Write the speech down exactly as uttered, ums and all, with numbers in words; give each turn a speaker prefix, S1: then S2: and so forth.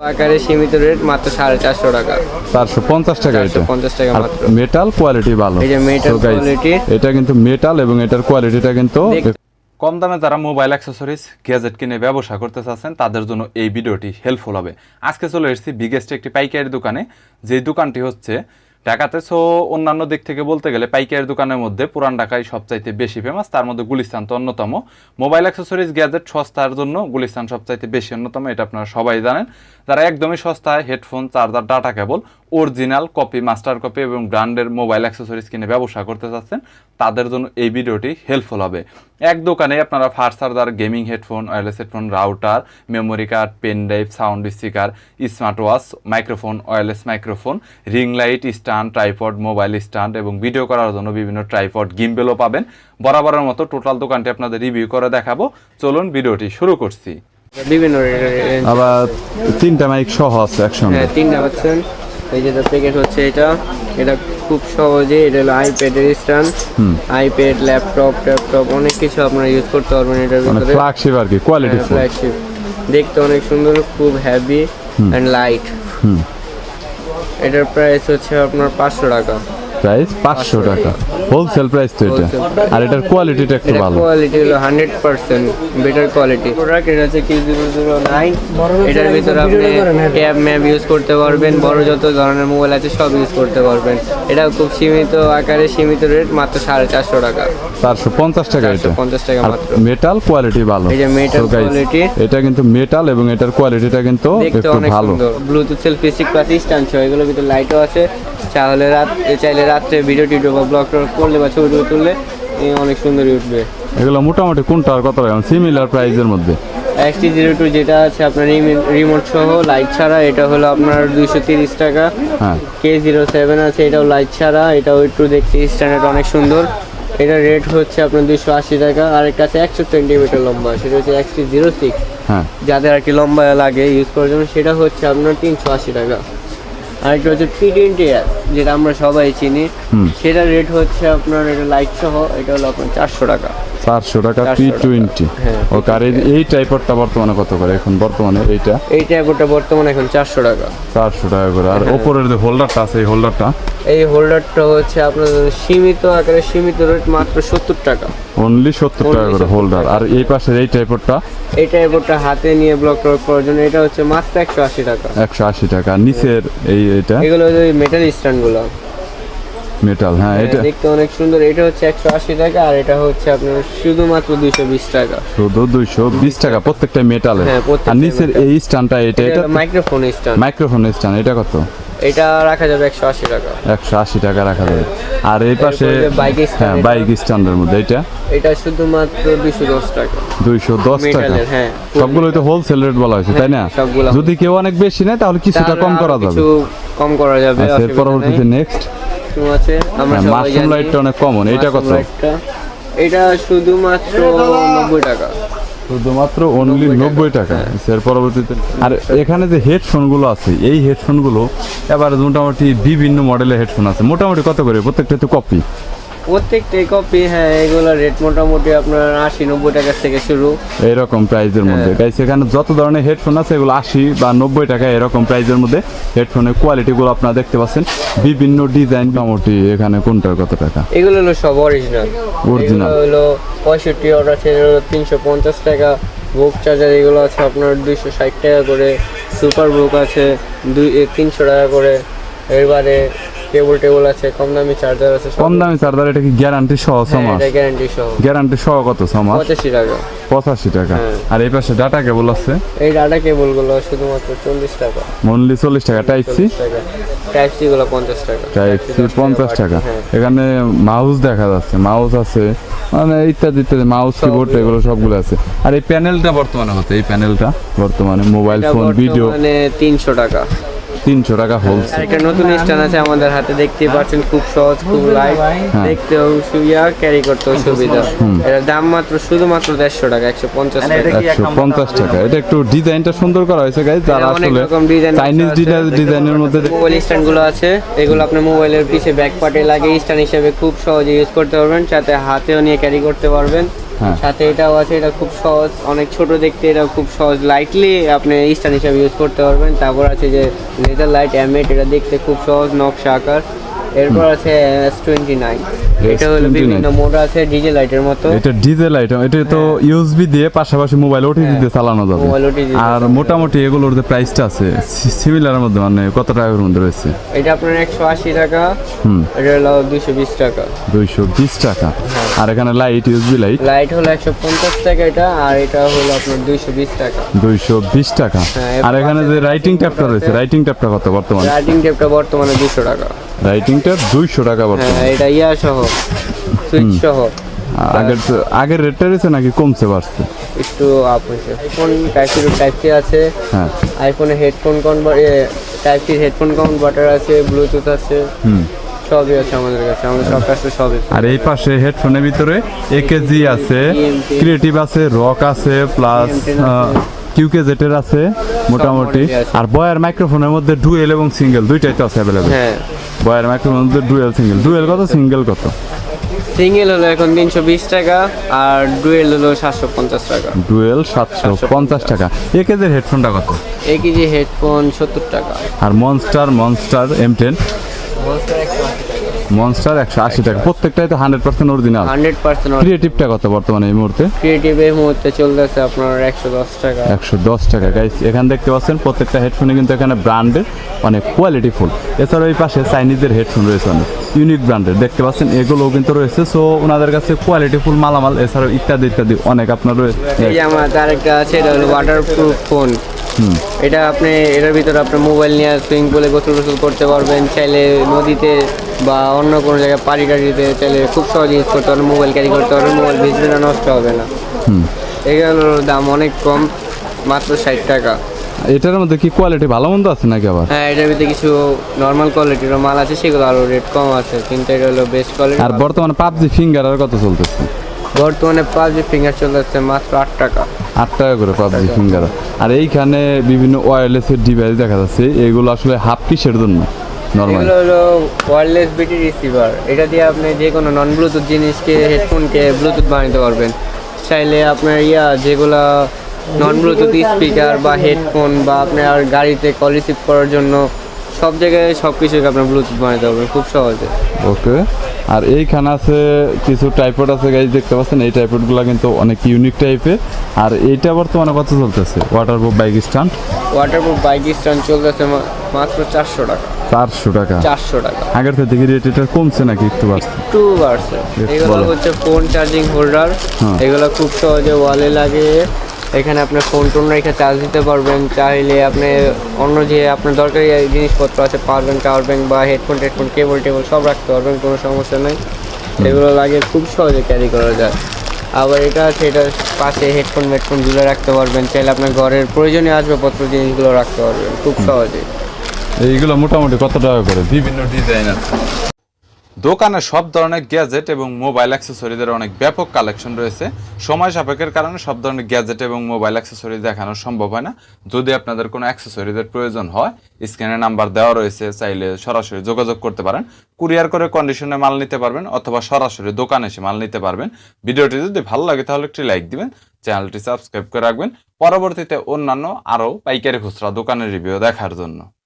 S1: আকারে সীমিত রেট মাত্র সাড়ে চারশো টাকা,
S2: চারশো পঞ্চাশ টাকা। এটা
S1: পঞ্চাশ টাকা মাত্র।
S2: মেটাল কোয়ালিটি ভালো,
S1: এই যে মেটাল কোয়ালিটি,
S2: এটা কিন্তু মেটাল এবং এটার কোয়ালিটিটা কিন্তু কম দামে। যারা মোবাইল অ্যাক্সেসরিজ গ্যাজেট কিনে ব্যবসা করতে চাচ্ছেন তাদের জন্য এই ভিডিওটি হেল্পফুল হবে। আজকে চলে এসেছি বিগেস্ট একটি পাইকারি দোকানে, যে দোকানটি হচ্ছে ঢাকাতে। সো অন্যান্য দিক থেকে বলতে গেলে পাইকারি দোকানের মধ্যে পুরান ঢাকায় সবচাইতে বেশি ফেমাস, তার মধ্যে গুলিস্তান তো অন্যতম। মোবাইল অ্যাক্সেসরিজ গ্যাজেট সস্তার জন্য গুলিস্তান সবচাইতে বেশি অন্যতম, এটা আপনারা সবাই জানেন। যারা একদমই সস্তায় headphone, charger, data cable, original copy, master copy এবং ব্র্যান্ডের মোবাইল অ্যাক্সেসরিজ কিনে ব্যবসা করতে চাচ্ছেন তাদের জন্য এই ভিডিওটি হেল্পফুল হবে। এক দোকানে আপনারা fast charger, gaming headphone, wireless headphone, router, memory card, pen drive, sound speaker, smart watch, microphone, wireless microphone, ring light, stand, tripod, mobile stand এবং ভিডিও করার জন্য বিভিন্ন ট্রাইপড, গিম্বেলও পাবেন। বরাবরের মতো টোটাল দোকানটি আপনাদের রিভিউ করে দেখাবো। চলুন ভিডিওটি শুরু করছি।
S1: বিভিন্ন
S2: আবার তিনটা মাইক সহ আছে একসঙ্গে।
S1: হ্যাঁ, তিনটা পাচ্ছেন। এই যে প্যাকেট হচ্ছে এটা, এটা খুব সহজে, এটা হলো আইপ্যাডের স্ট্যান্ড, আইপ্যাড, ল্যাপটপ, ট্যাপটপ অনেক কিছু আপনারা ইউজ করতে পারবেন এটার ভিতরে।
S2: ফ্ল্যাগশিপ আর কি, কোয়ালিটি
S1: ফ্ল্যাগশিপ, দেখতে অনেক সুন্দর, খুব হেভি এন্ড লাইট। এটার প্রাইস হচ্ছে আপনার পাঁচশো টাকা।
S2: প্রাইস পাঁচশো টাকা, হোলসেল প্রাইস তো এটা। আর এটার কোয়ালিটিটা একটু ভালো,
S1: কোয়ালিটি হলো hundred percent better quality product. এটা হচ্ছে কি জিরো জিরো নাইন, এটার ভিতরে আপনি ট্যাব ম্যাপ ইউজ করতে পারবেন, বড় যত ধরনের মোবাইল আছে সব ইউজ করতে পারবেন। এটা খুব সীমিত আকারে সীমিত রেট মাত্র সাড়ে চারশো টাকা,
S2: চারশো পঞ্চাশ টাকা। এটা
S1: পঞ্চাশ টাকা মাত্র।
S2: মেটাল কোয়ালিটি ভালো,
S1: এই যে মেটাল কোয়ালিটি,
S2: এটা কিন্তু মেটাল এবং এটার কোয়ালিটিটা কিন্তু
S1: দেখতে অনেক সুন্দর। Bluetooth selfie stick plus stand সহ, এগুলোর ভিতরে লাইটও আছে। চাইলে রাত চাইলে রাত্রে ভিডিও টিডিও বা ব্লগ করলে বা ছবি টবি তুললে অনেক সুন্দর উঠবে।
S2: এগুলো মোটামুটি কোনটা আর কত টাকা সিমিলার প্রাইসের মধ্যে?
S1: এক্সটি জিরো টু যেটা আছে আপনার রিমোট সহ লাইট ছাড়া, এটা হলো আপনার দুইশো তিরিশ টাকা।
S2: হ্যাঁ,
S1: কে জিরো সেভেন আছে, এটাও লাইট ছাড়া, এটাও একটু দেখতে স্ট্যান্ডার্ড অনেক সুন্দর। এটা রেট হচ্ছে আপনার দুইশো আশি টাকা। আর এর কাছে একশো সেন্টিমিটার লম্বা, সেটা হচ্ছে এক্সটি জিরো সিক্স,
S2: হ্যাঁ,
S1: যাদের আর কি লম্বা লাগে ইউজ করার জন্য, সেটা হচ্ছে আপনার তিনশো আশি টাকা। আর একটা হচ্ছে পি টোয়েন্টি এস, যেটা আমরা সবাই চিনি, সেটা রেট হচ্ছে আপনার, এটা লাইট সহ, এটা হলো আপনার চারশো টাকা।
S2: চারশো টাকা পি টোয়েন্টি। ওকে, আর এই টাইপরটা বর্তমানে কত করে এখন? বর্তমানে এইটা
S1: এই টাইপরটা বর্তমানে এখন চারশো টাকা,
S2: চারশো টাকা করে। আর ওপরের যে হোল্ডারটা আছে, এই হোল্ডারটা
S1: এই হোল্ডারটা হচ্ছে আপনার সীমিত আকারে সীমিত রেট মাত্র সত্তর টাকা,
S2: অনলি সত্তর টাকা করে হোল্ডার। আর এই পাশের এই টাইপরটা,
S1: এই টাইপরটা হাতে নিয়ে ব্লক টক করার জন্য, এটা হচ্ছে মাত্র একশো আশি টাকা।
S2: একশো আশি টাকা। নিচের এই এটা,
S1: এগুলো ওই মেটাল স্ট্যান্ডগুলো,
S2: মেটাল। হ্যাঁ, এটা
S1: দেখতে অনেক সুন্দর। এটা হচ্ছে একশো আশি টাকা, আর এটা হচ্ছে আপনার শুধুমাত্র দুইশো বিশ টাকা।
S2: শুধু দুইশো বিশ টাকা প্রত্যেকটা মেটালের। আর নিচের এই স্ট্যান্ডটা, এটা এটা
S1: মাইক্রোফোন স্ট্যান্ড,
S2: মাইক্রোফোন স্ট্যান্ড, এটা কত?
S1: এটা রাখা যাবে একশো আশি টাকা,
S2: একশো আশি টাকা রাখা যাবে। আর এই পাশে
S1: বাইক
S2: হ্যাঁ, বাইক স্ট্যান্ডের মধ্যে এটা
S1: এটা শুধুমাত্র দুইশো দশ টাকা,
S2: দুইশো দশ টাকা।
S1: হ্যাঁ,
S2: সবগুলো তো হোলসেল রেট বলা হয়েছে, তাই না? যদি কেউ অনেক বেশি নেয় তাহলে কিছুটা কম করা যাবে,
S1: কিছু কম করা যাবে।
S2: এর পরবর্তীতে নেক্সট
S1: আছে আমরা সবাই জানি
S2: মাশরুম লাইটটা অনেক কমন, এটা কত?
S1: এটা শুধুমাত্র নব্বই টাকা,
S2: শুধুমাত্র অনলি নব্বই টাকা। এর পরবর্তীতে আর এখানে যে হেডফোন গুলো আছে, এই হেডফোন গুলো এবার মোটামুটি বিভিন্ন মডেলের হেডফোন আছে। মোটামুটি কত করে প্রত্যেকটা? তো কপি
S1: প্রত্যেকটাই কপি। হ্যাঁ, এগুলো রেট মোটামুটি আপনার আশি নব্বই টাকা থেকে শুরু,
S2: এরকম প্রাইসের মধ্যে। গাইস, এখানে যত ধরনের হেডফোন আছে এগুলো আশি বা নব্বই টাকা এরকম প্রাইসের মধ্যে। হেডফোনের কোয়ালিটিগুলো আপনারা দেখতে পাচ্ছেন, বিভিন্ন ডিজাইন। মোটামুটি এখানে কোনটার কত টাকা?
S1: এগুলো হলো সব অরিজিনাল,
S2: অরিজিনাল
S1: হলো পঁয়ষট্টি অর্ডার আছে তিনশো পঞ্চাশ টাকা। বুক চার্জার এগুলো আছে আপনার দুইশো ষাট টাকা করে। সুপার বুক আছে দুই তিনশো টাকা করে। এবারে কেবল টেবল আছে, কম দামি চার্জার আছে।
S2: কম দামি চার্জার, এটা কি গ্যারান্টি সহ? ছমাস
S1: গ্যারান্টি সহ।
S2: গ্যারান্টি সহ কত? ছমাস,
S1: পঁচাশি টাকা।
S2: পঁচাশি টাকা। আর এই পাশে ডাটা কেবল আছে,
S1: এই ডাটা কেবল গুলো শুধুমাত্র চল্লিশ টাকা,
S2: অনলি চল্লিশ টাকা। টাইপ সি,
S1: টাইপ সি গুলো পঞ্চাশ টাকা,
S2: টাইপ সি পঞ্চাশ টাকা। এখানে মাউস দেখা যাচ্ছে, মাউস আছে, মানে ইত্যাদি ইত্যাদি, মাউস কিবোর্ড এগুলো সবগুলো আছে। আর এই প্যানেলটা বর্তমানে হচ্ছে, এই প্যানেলটা বর্তমানে মোবাইল ফোন ভিডিও
S1: মানে তিনশো টাকা,
S2: তিনশো টাকা হোলসেল।
S1: একটা নতুন স্ট্যান্ড আছে আমাদের হাতে, দেখতেই পাচ্ছেন, খুব সহজ, খুব লাইট, দেখতেও সুবিধা, ক্যারি করতেও সুবিধা। এর দাম মাত্র শুধুমাত্র দেড়শো টাকা, একশো পঞ্চাশ টাকা,
S2: একশো পঞ্চাশ টাকা। এটা একটু ডিজাইনটা সুন্দর করা হয়েছে গাইস, যারা আসলে চাইনিজ ডিজাইনের মধ্যে
S1: মোবাইল স্ট্যান্ড গুলো আছে, এগুলো আপনার মোবাইলের পিছে ব্যাক পার্টে লাগে স্ট্যান্ড হিসেবে খুব সহজে ইউজ করতে পারবেন, সাথে হাতেও নিয়ে ক্যারি করতে পারবেন।
S2: হ্যাঁ।
S1: সাথে এটাও আছে, এটা খুব সহজ, অনেক ছোট দেখতে, এটা খুব সহজ, লাইটলি আপনি স্ট্যান্ড হিসাবে ইউজ করতে পারবেন। তারপর আছে যে লেজার লাইট এমএট, এটা দেখতে খুব সহজ, নকশা আকার। এরপর আছে এস টোয়েন্টি নাইন, এটা হলো বিভিন্ন মোড আছে ডিজে লাইটের মতো।
S2: এটা ডিজে লাইট, এটা তো ইউএসবি দিয়ে পাশাপাশি মোবাইল ওটিজি দিয়ে চালানো যাবে।
S1: Mobile OTG.
S2: আর মোটামুটি এগুলোর যে প্রাইসটা আছে সিমিলারের মধ্যে, মানে কত টাকার মধ্যে রয়েছে?
S1: এটা আপনার একশো আশি টাকা,
S2: হুম,
S1: এটা হলো দুইশো বিশ টাকা।
S2: দুইশো বিশ টাকা। আর এখানে লাইট, ইউএসবি লাইট
S1: লাইট হলো একশো পঞ্চাশ টাকা এটা, আর এটা হলো আপনার দুইশো বিশ টাকা।
S2: দুইশো বিশ টাকা।
S1: হ্যাঁ,
S2: আর এখানে যে রাইটিং ট্যাবটা রয়েছে, রাইটিং ট্যাবটা কত বর্তমানে?
S1: রাইটিং টেপটা বর্তমানে দুশো টাকা।
S2: রাইটিং ট্যাব দুইশো টাকা বর্তমানে।
S1: হ্যাঁ, এটা ইয়া সহ, সুইচ সহ।
S2: আগের আগের রেটটা রয়েছে নাকি কমছে বাড়ছে?
S1: একটু আপ হয়েছে। IPhone type C type C আছে,
S2: হ্যাঁ।
S1: আইফোনে headphone convert, type C headphone converter আছে, ব্লুটুথ আছে,
S2: হুম,
S1: সবই আছে আমাদের কাছে, আমাদের সব কাছে সবই।
S2: আর এই পাশে হেডফোনের ভিতরে একেজি আছে, ক্রিয়েটিভ আছে, রক আছে, প্লাস কিউকে জেটের আছে মোটামুটি। আর বয়ার মাইক্রোফোনের মধ্যে ডুয়েল এবং সিঙ্গেল দুইটাই তো আছে অ্যাভেলেবেল।
S1: হ্যাঁ,
S2: বয়ার মাইক্রোফোনের মধ্যে ডুয়েল সিঙ্গেল। ডুয়েল কত, সিঙ্গেল কত?
S1: সিঙ্গেল হলো এখন তিনশো বিশ টাকা, আর ডুয়েল হলো সাতশো পঞ্চাশ টাকা।
S2: ডুয়েল সাতশো পঞ্চাশ টাকা। একেজের হেডফোনটা কত?
S1: এক কেজি হেডফোন সত্তর টাকা।
S2: আর Monster, Monster M ten, Monster একশো আশি টাকা। প্রত্যেকটাই তো hundred percent original.
S1: Hundred percent.
S2: ক্রিয়েটিভটা কত বর্তমানে এই মুহূর্তে?
S1: ক্রিয়েটিভ এই মুহূর্তে চলতেছে আপনার একশো দশ টাকা।
S2: একশো দশ টাকা। গাইস এখানে দেখতে পাচ্ছেন প্রত্যেকটা হেডফোনে কিন্তু এখানে ব্র্যান্ডের অনেক কোয়ালিটিফুল। এছাড়াও এই পাশে চাইনিজের হেডফোন রয়েছে অনেক ইউনিক ব্র্যান্ডের, দেখতে পাচ্ছেন এগুলোও কিন্তু রয়েছে। সো ওনাদের কাছে কোয়ালিটিফুল মালামাল, এছাড়াও ইত্যাদি ইত্যাদি অনেক আপনার রয়েছে।
S1: এই যে আমার আরেকটা আছে, এটা হলো ওয়াটারপ্রুফ ফোন।
S2: হুম,
S1: এটা আপনি এটার ভিতরে আপনার মোবাইল নিয়ে সুইমিং পুলে গোসল গোসল করতে পারবেন, চাইলে নদীতে বা অন্য কোনো জায়গায় পাড়ি টাড়িতে চাইলে খুব সহজে ইউজ করতে পারবেন, মোবাইল ক্যারি করতে পারবেন, মোবাইল ভিজবে না, নষ্ট হবে না।
S2: হুম,
S1: এগুলোর দাম অনেক কম, মাত্র ষাট টাকা।
S2: এটার মধ্যে কি কোয়ালিটি ভালো মন্দ আছে নাকি আবার?
S1: হ্যাঁ, এটার ভিতরে কিছু নর্মাল কোয়ালিটির মাল আছে, সেগুলো আরও রেট কম আছে, কিন্তু এটা হলো বেস্ট কোয়ালিটি।
S2: আর বর্তমানে পাবজি ফিঙ্গার আর কত চলতেছে?
S1: বর্তমানে পাবজি ফিঙ্গার চলতেছে মাত্র আট টাকা।
S2: আট টাকা করে পাবজি ফিঙ্গার। আর এইখানে বিভিন্ন ওয়্যারলেসের ডিভাইস দেখা যাচ্ছে, এগুলো আসলে হাফ কিসের জন্য? নরমাল
S1: এগুলো হলো ওয়্যারলেস বিটি রিসিভার, এটা দিয়ে আপনি যে কোনো নন ব্লুটুথ জিনিসকে, হেডফোনকে ব্লুটুথ বানাতে পারবেন। চাইলে আপনার ইয়া যেগুলা নন ব্লুটুথ স্পিকার বা হেডফোন বা আপনার গাড়িতে কল রিসিভ করার জন্য সব জায়গায় সব কিছুকে আপনার ব্লুটুথ বানাতে পারবেন খুব সহজে।
S2: ওকে। আর এইখানে আছে কিছু টাইপড আছে গাইজ, দেখতে পাচ্ছেন এই টাইপডগুলো কিন্তু অনেক ইউনিক টাইপের। আর এইটা বর্তমানে কত চলতেছে? Waterproof bike stand,
S1: waterproof bike stand চলতেছে মাত্র চারশো টাকা।
S2: চারশো টাকা।
S1: চারশো টাকা।
S2: আগের থেকে রেট এটা কমছে নাকি একটু বাড়ছে?
S1: একটু বাড়ছে। এগুলো হচ্ছে ফোন চার্জিং হোল্ডার, এগুলো খুব সহজে ওয়ালে লাগে, এখানে আপনার ফোন টোন রেখে চার্জ দিতে পারবেন। চাইলে আপনি অন্য যে আপনার দরকারি জিনিসপত্র আছে, পাওয়ার ব্যাংক, টাওয়ার ব্যাংক বা হেডফোন টেডফোন, কেবল টেবল সব রাখতে পারবেন, কোনো সমস্যা নেই। এগুলো লাগে খুব সহজে ক্যারি করা যায়। আবার এটা আছে, এটার পাশে হেডফোন হেডফোন ঝুলে রাখতে পারবেন, চাইলে আপনার ঘরের প্রয়োজনীয় আসবাবপত্র জিনিসগুলো রাখতে পারবেন খুব সহজে।
S2: এইগুলো মোটামুটি কত টাকা করে? বিভিন্ন ডিজাইন আছে দোকানে, সব ধরনের গ্যাজেট এবং মোবাইল অ্যাক্সেসরিজের অনেক ব্যাপক কালেকশন রয়েছে। সময় সাপেক্ষের কারণে সব ধরনের গ্যাজেট এবং মোবাইল অ্যাক্সেসরিজ দেখানো সম্ভব হয় না। যদি আপনাদের কোনো অ্যাক্সেসরিজের প্রয়োজন হয়, স্ক্রিনে নাম্বার দেওয়া রয়েছে, চাইলে সরাসরি যোগাযোগ করতে পারেন। কুরিয়ার করে কন্ডিশনে মাল নিতে পারবেন, অথবা সরাসরি দোকানে এসে মাল নিতে পারবেন। ভিডিওটি যদি ভালো লাগে তাহলে একটি লাইক দিবেন, চ্যানেলটি সাবস্ক্রাইব করে রাখবেন পরবর্তীতে অন্যান্য আরও পাইকারি খুচরা দোকানের রিভিউ দেখার জন্য।